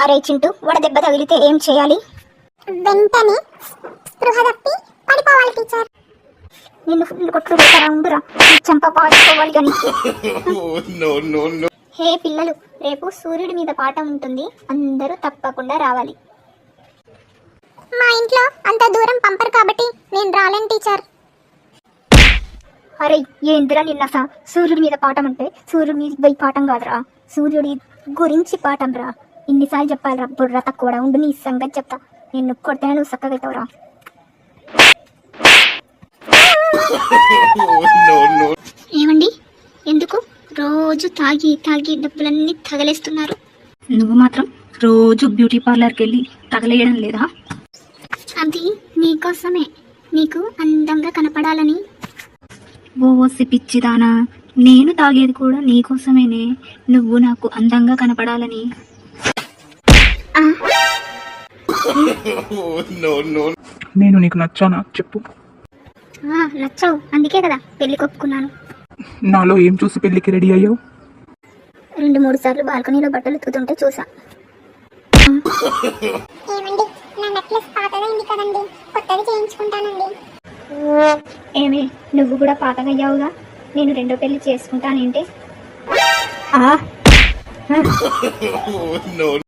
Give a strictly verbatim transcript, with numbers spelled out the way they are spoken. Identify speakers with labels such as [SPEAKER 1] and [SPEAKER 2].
[SPEAKER 1] అరే చింటూ, వడదెబ్బ తగిలితే ఏం చేయాలి?
[SPEAKER 2] వెంటనే స్పృహ తప్పి పడిపోవాలి టీచర్.
[SPEAKER 1] నిన్ను ఫుల్ కొట్లు పెట్టారా, ఉండురా, నీ చంప పాడుకోవాలి కానీ. హే పిల్లలు, రేపు సూర్యుడి మీద పాట ఉంటుంది, అందరూ తప్పకుండా రావాలి.
[SPEAKER 2] మా ఇంట్లో అంత దూరం పంపరు కాబట్టి నేను రాలేను టీచర్.
[SPEAKER 1] అరే ఏందిరా నిన్న సా సూర్యుడి మీద పాఠం అంటే సూర్యుడి మీద పోయి పాఠం కాదురా, సూర్యుడి గురించి పాఠం రా. ఇన్నిసార్లు చెప్పాలిరా, బుర్ర తక్కువ ఉండు, నీ సంగతి చెప్తా. నిన్ను కొడితేనే నువ్వు చక్కగా అవుతావురా. ఏమండి, ఎందుకు రోజు తాగి తాగి డబ్బులన్నీ తగలేస్తున్నారు?
[SPEAKER 3] నువ్వు మాత్రం రోజు బ్యూటీ పార్లర్కి వెళ్ళి తగలేయడం లేదా?
[SPEAKER 1] అది నీకోసమే, నీకు అందంగా కనపడాలని.
[SPEAKER 3] ఓసి పిచ్చిదానా, నేను తాగేది కూడా నీకోసమేనే, నువ్వు నాకు అందంగా కనపడాలని.
[SPEAKER 4] నేను నీకు నచ్చానా చెప్పు?
[SPEAKER 1] నచ్చావు, అందుకే కదా పెళ్లి కొప్పుకున్నాను.
[SPEAKER 4] నాలో ఏం చూసి పెళ్లికి రెడీ అయ్యావు?
[SPEAKER 1] రెండు మూడు సార్లు బాల్కనీలో బట్టలు ఉతుకుతుంటే చూసా.
[SPEAKER 2] ఏమండి, నా నెక్లెస్ పాతదైంది కదండి, కొత్తది చేయించుకుంటానండి.
[SPEAKER 1] ఏమే, నువ్వు కూడా పాతగయ్యావుగా, నేను రెండో పెళ్లి చేసుకుంటానేంటి?